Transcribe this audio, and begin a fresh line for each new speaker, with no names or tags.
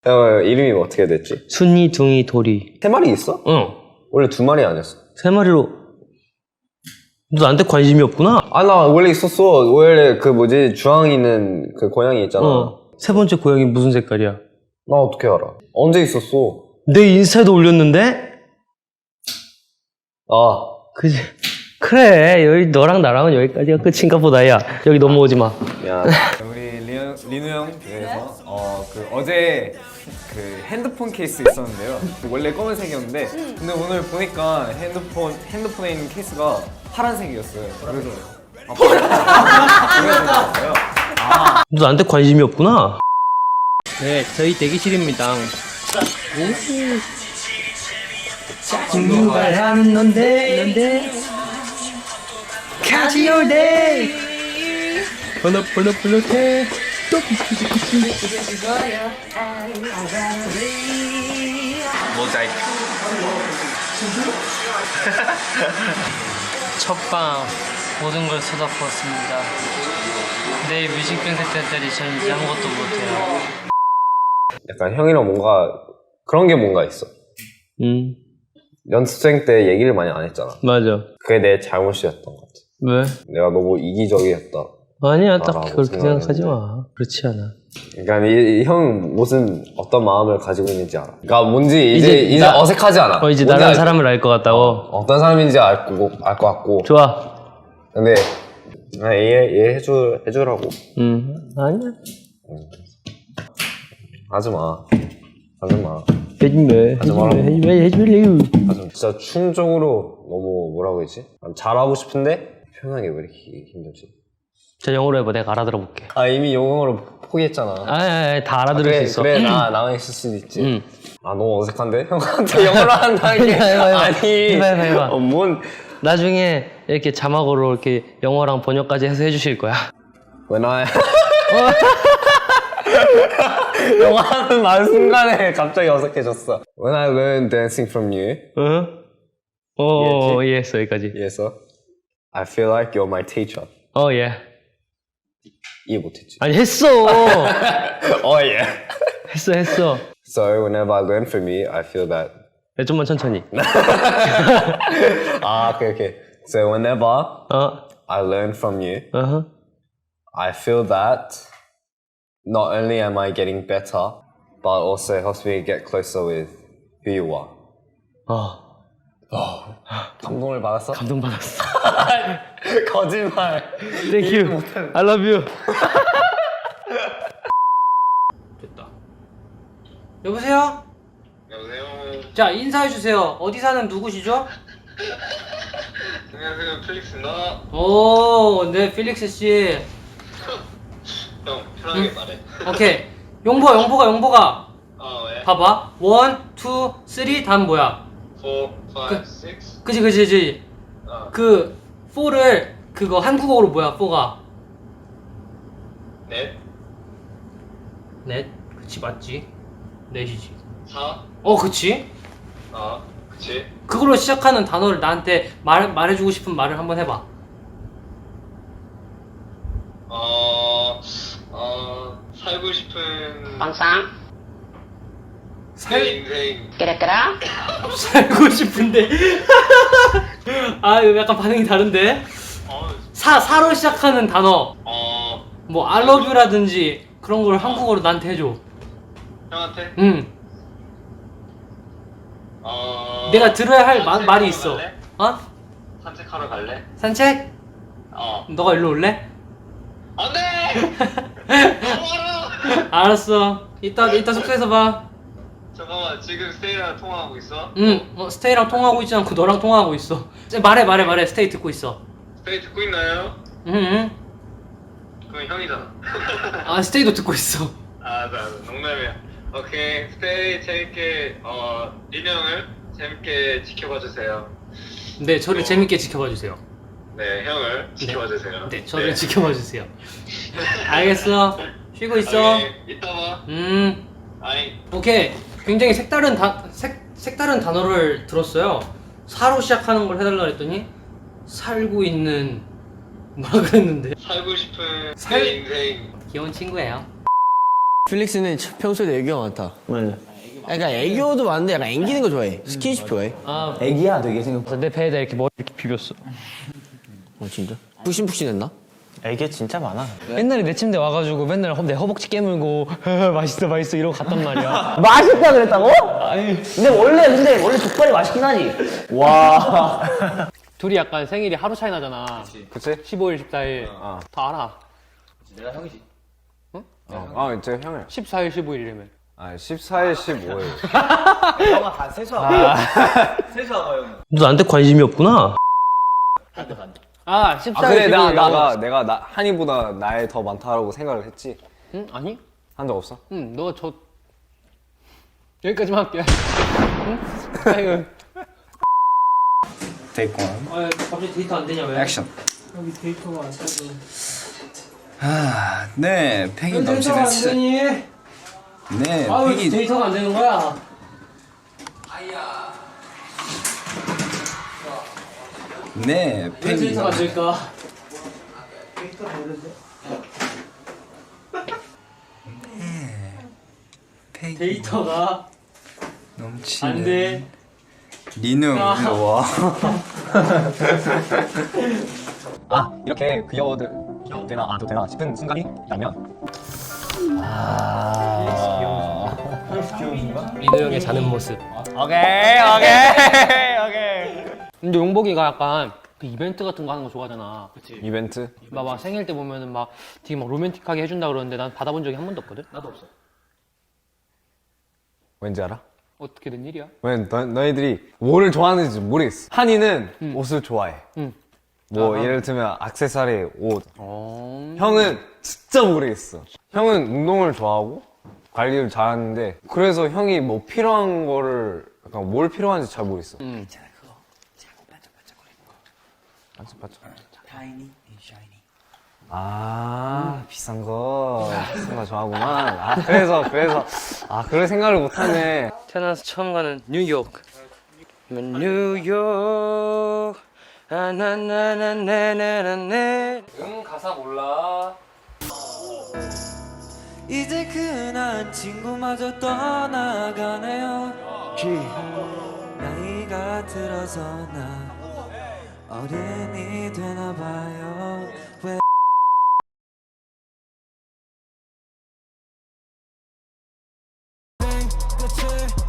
이름이 어떻게 됐지?
순이, 둥이, 도리.
3마리 있어?
응.
원래 2마리 아니었어?
3마리로. 너 나한테 관심이 없구나?
아, 나 원래 있었어. 원래 그 뭐지, 주황 있는 그 고양이 있잖아.
세 번째 고양이 무슨 색깔이야?
나 어떻게 알아? 언제 있었어?
내 인스타에도 올렸는데?
아,
그지? 그래, 여기 너랑 나랑은 여기까지가 끝인가 보다, 야. 여기 넘어오지 마.
야.
우리 리누 형 그래서 어제 그 핸드폰 케이스 있었는데요. 원래 검은색이었는데 근데 오늘 보니까 핸드폰에 있는 케이스가 파란색이었어요. 그래서 보여드렸어요.
너 나한테 관심이 없구나? 네, 저희 대기실입니다. 공부하는 넌데 같이 올데 번호 모자이크 첫방 모든 걸 쏟아부었습니다. 내일 뮤직뱅크 때까지 저는 이제 아무것도 못해요.
약간 형이랑 뭔가 그런 게 뭔가 있어. 연습생 때 얘기를 많이 안 했잖아.
맞아.
그게 내 잘못이었던 것 같아.
왜?
내가 너무 이기적이었다.
아니야, 딱
나라고
그렇게 생각하지
생각했는데.
마. 그렇지 않아.
그러니까 이 형 무슨 어떤 마음을 가지고 있는지 알아. 그러니까 뭔지 이제
나-
어색하지 않아.
이제
뭔지
나라는
알-
사람을 알 것 같다고.
어떤 사람인지 알 것 같고.
좋아.
근데 이해해주라고.
아니야.
하지 마.
해주면 해줄래요.
진짜 충적으로 너무 뭐라고 했지? 잘하고 싶은데 표현하기 왜 이렇게 힘들지?
자, 영어로 해봐. 내가 알아들어 볼게.
아, 이미 영어로 포기했잖아.
다 알아들을
그래,
수 있어.
그래, 나만 있을 수도 있지.
응.
아, 너무 어색한데? 형한테 영어로 한다는 게.
해봐.
아니.
해봐.
뭔.
나중에 이렇게 자막으로 이렇게 영어랑 번역까지 해서 해주실 거야.
When I. 영어 하는 말 순간에 갑자기 어색해졌어. When I learned dancing from you.
응? 이해했어, 여기까지.
예서. I feel like you're my teacher.
예.
이해 못했지.
아니, 했어.
예.
했어.
So whenever I learn from you, I feel that.
네, 좀만 천천히.
Okay. So whenever I learn from you, I feel that not only am I getting better, but also helps me get closer with who you are. 감동을 받았어?
감동받았어.
거짓말.
Thank you. I love you. 됐다. 여보세요?
여보세요.
자, 인사해주세요. 어디 사는 누구시죠?
안녕하세요, 필릭스입니다.
네, 필릭스 씨.
형, 편하게 말해.
오케이. 용보가.
왜?
봐봐. 1, 2, 3 다음 뭐야?
4, 5, 6.
그지. 그 4를 그거 한국어로 뭐야? 4가
넷.
그치, 맞지? 넷이지.
4.
그치?
그치.
그걸로 시작하는 단어를 나한테 말해주고 싶은 말을 한번 해봐.
살고 싶은
빵상
내 인생.
깨라깨라
살고 싶은데. 이거 약간 반응이 다른데? 사로 시작하는 단어. 뭐 I love you라든지 그런 걸 한국어로 나한테 해줘.
형한테?
응. 내가 들어야 할 말이 있어.
갈래? 산책하러 갈래?
산책? 너가 일로 올래?
안 돼!
알았어. 이따 숙소에서 봐.
잠깐만, 지금 스테이랑 통화하고 있어?
응. 스테이랑 통화하고 있지 않고 너랑 통화하고 있어. 말해. 스테이 듣고 있어.
스테이 듣고 있나요?
응.
그럼 형이잖아.
스테이도 듣고 있어.
농담이야. 오케이, 스테이 재밌게, 리누 형을 재밌게 지켜봐 주세요.
네, 저를 재밌게 지켜봐 주세요.
네, 형을 지켜봐 주세요.
네, 저를 지켜봐 주세요. 알겠어. 쉬고 있어.
오케이, 이따 봐. 아이.
오케이. 굉장히 색다른 단어를 들었어요. 사로 시작하는 걸 해달라 했더니 살고 있는 뭐라 그랬는데.
살고 싶은
살-
내 인생.
귀여운 친구예요.
필릭스는 평소에도 애교가 많다. 맞아. 그러니까 애교도 많은데 약간 앵기는 거 좋아해. 스킨십 좋아해.
아,
애기야 되게 생각.
내 배에다 이렇게 머리 이렇게 비볐어.
진짜? 푹신푹신했나?
애기 진짜 많아.
옛날에 내 침대 와가지고 맨날 내 허벅지 깨물고 맛있어 맛있어 이러고 갔단 말이야.
맛있다 그랬다고? 아니. 근데 원래 족발이 맛있긴 하지. 와.
둘이 약간 생일이 하루 차이 나잖아.
그치?
15일, 14일. 다 알아.
저 형이야.
14일, 15일이라며.
14일, 15일.
너 나한테 관심이 없구나. 14일,
근데
15일.
내가 한이보다 나이 더 많다라고 생각을 했지.
응? 아니?
한 적 없어?
응, 너가 여기까지만 할게. 응? 아이고.
Take one.
아, 갑자기 데이터 안 되냐, 왜?
Action.
여기 데이터가 안 돼서.
네, 팩이
왜 데이터가 안
넘치겠어.
되니?
네,
아, 왜
팩이
데이터가 안 되는 거야?
네,
왜
팩이
데이터가 안 될까?
팩이
데이터가
넘치는
안 돼.
리누 일로 와.
이렇게 귀여워도 되나 도 되나 싶은 순간이 있다면.
리노 형의 자는 모습.
오케이.
근데 용복이가 약간 그 이벤트 같은 거 하는 거 좋아하잖아.
이벤트?
막 생일 때 보면은 막 되게 막 로맨틱하게 해준다 그러는데 난 받아본 적이 한 번도 없거든? 나도 없어.
왠지 알아?
어떻게 된 일이야?
왜 너희들이 뭐를 좋아하는지 모르겠어. 한이는 옷을 좋아해. 뭐 예를 들면 액세서리, 옷. 형은 진짜 모르겠어. 형은 운동을 좋아하고 관리를 잘하는데 그래서 형이 뭐 필요한 거를 약간 뭘 필요한지 잘 모르겠어. 반짝반짝. 비싼 거 좋아하구만. 그럴 생각을 못하네.
태어나서 처음 가는 뉴욕. 뉴욕. 나나나나나나네. 가사 몰라.
이제 그난 친구마저 떠나가네요. 나이가 들어서 나 어른이 되나봐요. 왜 끝을